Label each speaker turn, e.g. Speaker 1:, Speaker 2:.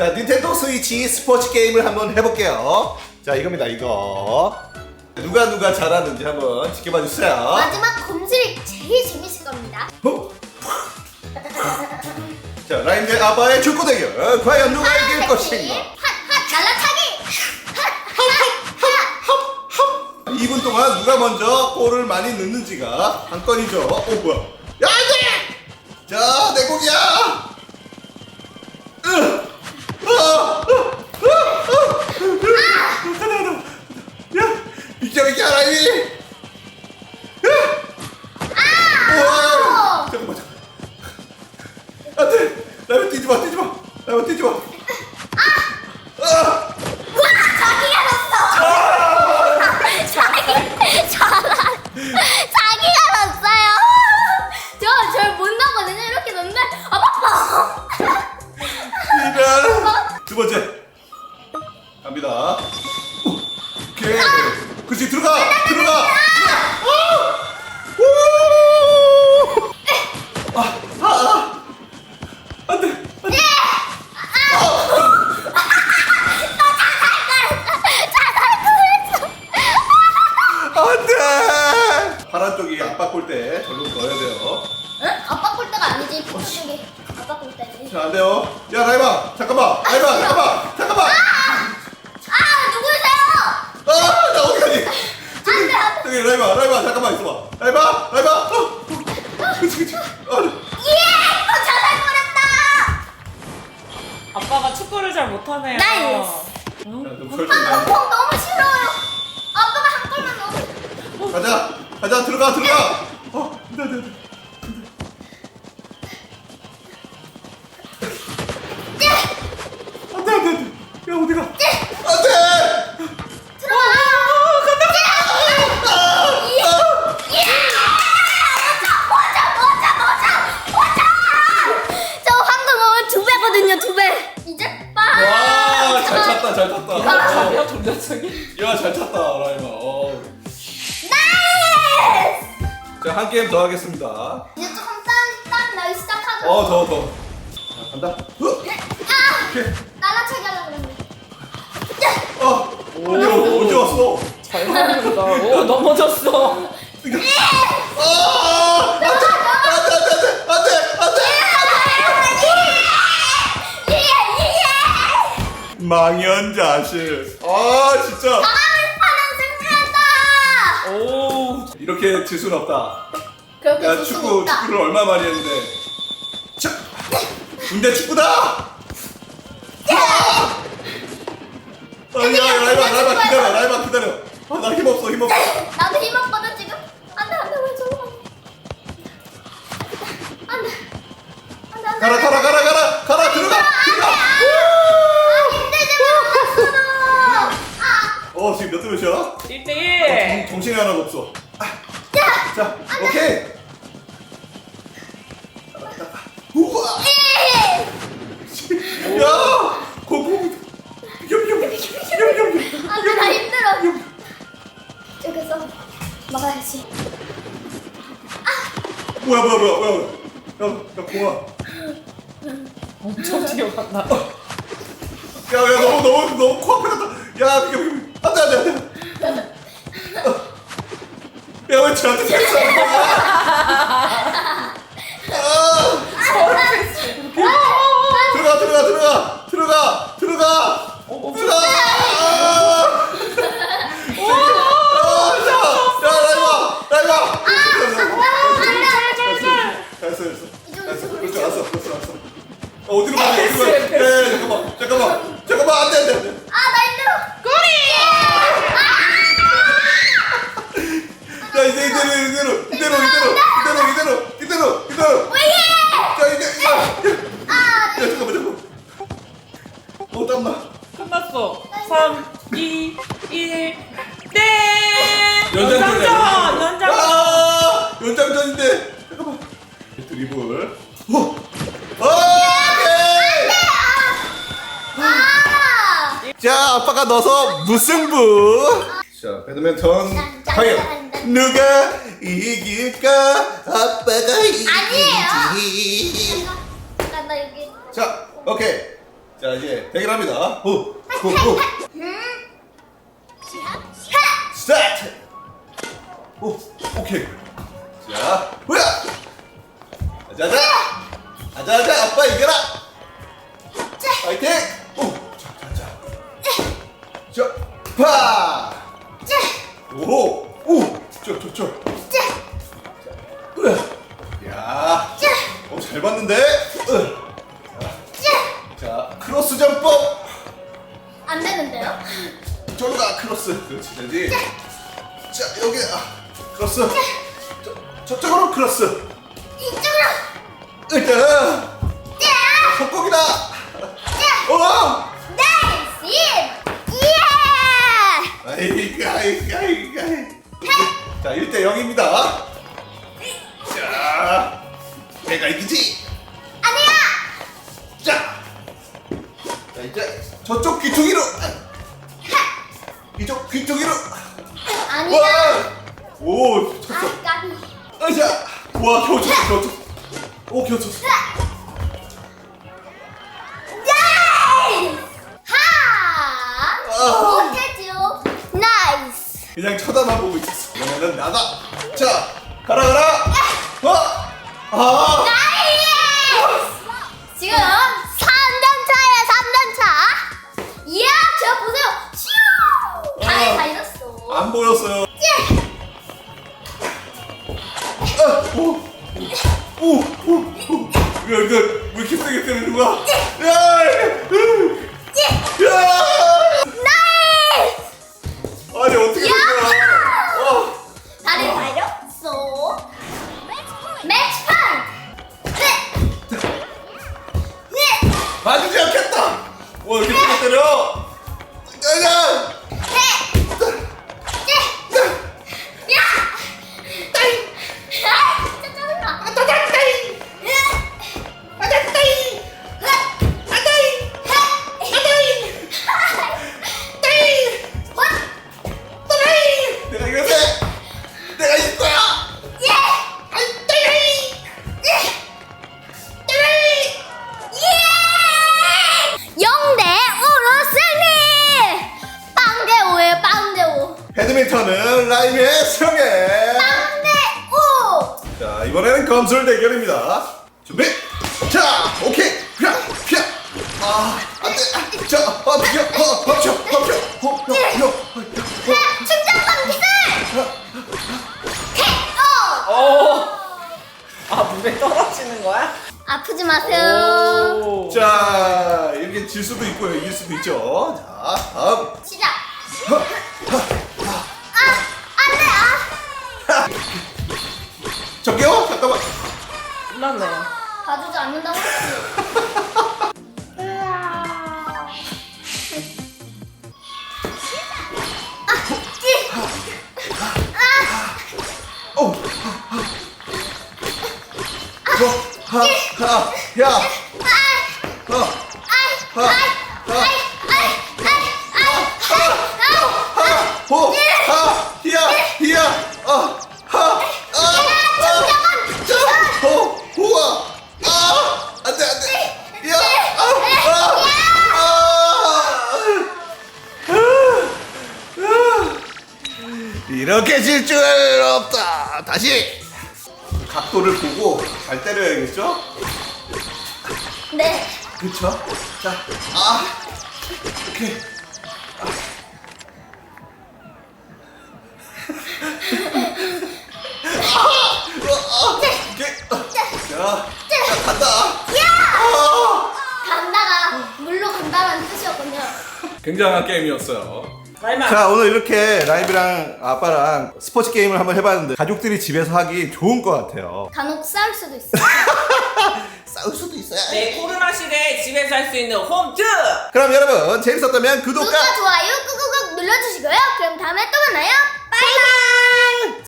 Speaker 1: 자, 닌텐도 스위치 스포츠 게임을 한번 해볼게요. 자, 이겁니다, 이거. 누가 잘하는지 한번 지켜봐 주세요.
Speaker 2: 마지막 검술이 제일 재밌을 겁니다.
Speaker 1: 자, 라임 대 아바의 축구 대결. 과연 누가 이길 것인가?
Speaker 2: 핫핫 날라차기.
Speaker 1: 2분 동안 누가 먼저 골을 많이 넣는지가 관건이죠. 뭐야? 야, 안 돼! 자, 내 공이야! 야, 비켜, 라임이! 우와! 잠깐만. 안 돼! 라임아, 뛰지 마! 라임아, 뛰지 마!
Speaker 2: 자기가 넣었어. 자기가 넣었어요. 저 못 넣거든요. 이렇게 넣는데 아빠.
Speaker 1: 이런. 두 번째 갑니다. 오케이. 그렇지, 들어가. 안돼. 안돼. 파란 쪽이 아빠 골대 절로 넣어야 돼요.
Speaker 2: 응? 아빠 골대가 아니지. 핑크 쪽이 아빠 골대지.
Speaker 1: 자, 안 돼요. 야, 라이바, 잠깐만. 잠깐만.
Speaker 2: 누구세요?
Speaker 1: 나 어디 가니?
Speaker 2: 안 돼.
Speaker 1: 저기 라이바, 잠깐만 있어봐. 라이바. 그치.
Speaker 2: 예! 또 자살거렸다.
Speaker 3: 아빠가 축구를 잘 못하네요.
Speaker 2: 나이스.
Speaker 1: 좀 설정
Speaker 2: 공 너무 싫어요. 아빠가 한 골만 넣어.
Speaker 1: 가자, 들어가. 네. 안돼. 야, 어디가? 안돼.
Speaker 2: 저 황금 넣으면 2배거든요. 2배. 이제 빠.
Speaker 1: 와, 잘 찼다.
Speaker 3: 가벼 돌려차기.
Speaker 1: 야, 잘 찼다, 라이마.
Speaker 2: 나이스.
Speaker 1: 자, 한 게임 더 하겠습니다.
Speaker 2: 이제 조금 딴 나기 시작하죠.
Speaker 1: 더. 자, 간다. 오케이.
Speaker 2: 날라차기 하려고 그랬는데.
Speaker 1: 어디 왔어?
Speaker 3: 잘 만든다. 오, 넘어졌어.
Speaker 1: 망연자실. 진짜.
Speaker 2: 승리한다.
Speaker 3: 오.
Speaker 1: 이렇게 질 수는 없다.
Speaker 2: 그렇게
Speaker 1: 야,
Speaker 2: 질 수는 없다.
Speaker 1: 축구를 얼마 많이 했는데. 자, 군대 축구다. 아니야, 라이바 기다려. 나 힘없어.
Speaker 2: 나도 힘없거든 지금. 안돼 왜 저거 안돼.
Speaker 1: 가라, 들어가.
Speaker 2: 힘들지
Speaker 1: 지금 몇 대 몇이야?
Speaker 3: 1대1.
Speaker 1: 정신이 하나도 없어. 자, 오케이. 우와. 야, 공.
Speaker 2: 안돼 나 힘들어. 저기서 막아야지.
Speaker 1: 뭐야. 야, 공아.
Speaker 3: 엄청 뛰어간다.
Speaker 1: 야, 너무 코앞에 갔다. 야, 비켜. 안돼. 야, 왜 저한테 패스하는 거야? 들어가. 라이바. 됐어. 그렇지, 알았어. 어디로 가냐? 잠깐만. 안돼.
Speaker 2: 나 힘들어.
Speaker 1: 야, 이제 이대로.
Speaker 2: 왜 해?
Speaker 1: 자, 이제. 야, 잠깐만. 땀나.
Speaker 3: 끝났어. 3, 2, 1. 땡!
Speaker 1: 연장전.
Speaker 3: 연장.
Speaker 1: 연장전인데. 잠깐만. 드리블. 오케이. 자, 아빠가 넣어서 무승부. 자, 배드민턴 과연 누가 이길까? 아빠가 이길지.
Speaker 2: 잠깐 나 여기.
Speaker 1: 자, 오케이. 자, 이제 대결합니다. 후. 스타트. 오, 오케이. 자, 뭐야? 자자. 아자아자, 아빠 이겨라. 파이팅. 오, 자, 파. 오, 저. 야, 잘 봤는데. 자, 크로스 점법.
Speaker 2: 안 되는데요?
Speaker 1: 저로 가, 크로스. 그렇지, 되지. 자, 여기 크로스. 저쪽으로 크로스.
Speaker 2: 이쪽으로.
Speaker 1: 일단 속공이다. 오!
Speaker 2: 나이스! 예!
Speaker 1: 아이가. 자, 1대 0입니다. 자, 내가 이기지.
Speaker 2: 아니야!
Speaker 1: 자, 이제 저쪽 귀퉁이로. 이쪽 귀퉁이로.
Speaker 2: 아니야!
Speaker 1: 오, 쳤어.
Speaker 2: 아, 까비.
Speaker 1: 자, 와, 겨우 쳤어. 오, 겨우 쳤어.
Speaker 2: 나이스! 하! 못했죠? 나이스!
Speaker 1: 그냥 쳐다만 보고 있었어. 그러면은 나가. 자, 가라.
Speaker 2: 나이스! 지금 3점 차야, 3점 차. 이야, 저 보세요. 슈! 다리 다 잃었어.
Speaker 1: 안 보였어요. 이거 왜 이렇게 세게 때리는 거야?
Speaker 2: 나이스!
Speaker 1: 아니 어떻게 된 거야?
Speaker 2: 다리 다 잃었어. 매치 포인트! 네!
Speaker 1: 맞지 않겠다. 와 이렇게 세게 때려. 가자. 내가 이겼어. 내가 이길 거야. 배드민턴은 라임의 승리. 자 이번에는 검술 대결입니다. 준비. 자 오케이. 안돼. 자
Speaker 2: 충전방 기술!
Speaker 3: 물에 떨어지는 거야?
Speaker 2: 아프지 마세요.
Speaker 3: 오.
Speaker 1: 자 이렇게 질 수도 있고요, 이길 수도 있죠. 자 다음.
Speaker 2: 시작. 안 돼.
Speaker 1: 저기요 잠깐만.
Speaker 3: 끝났네.
Speaker 2: 봐주지 않는다고 했지.
Speaker 1: 이렇게 질 줄 없다. 다시 각도를 보고 잘 때려야겠죠?
Speaker 2: 네.
Speaker 1: 그쵸? 자, 오케이. 자, 간다.
Speaker 2: 간다가 물로 간다라는 뜻이었군요.
Speaker 1: 굉장한 게임이었어요.
Speaker 3: 라임아.
Speaker 1: 자, 오늘 이렇게 라임이랑 아빠랑 스포츠 게임을 한번 해봤는데 가족들이 집에서 하기 좋은 것 같아요.
Speaker 2: 간혹 싸울 수도 있어요.
Speaker 1: 싸울 수도 있어요.
Speaker 3: 네, 코로나 시대에 집에서 할 수 있는 홈트.
Speaker 1: 그럼 여러분 재밌었다면 구독과
Speaker 2: 구독과 좋아요 꾹꾹꾹 눌러주시고요. 그럼 다음에 또 만나요. 바이바이.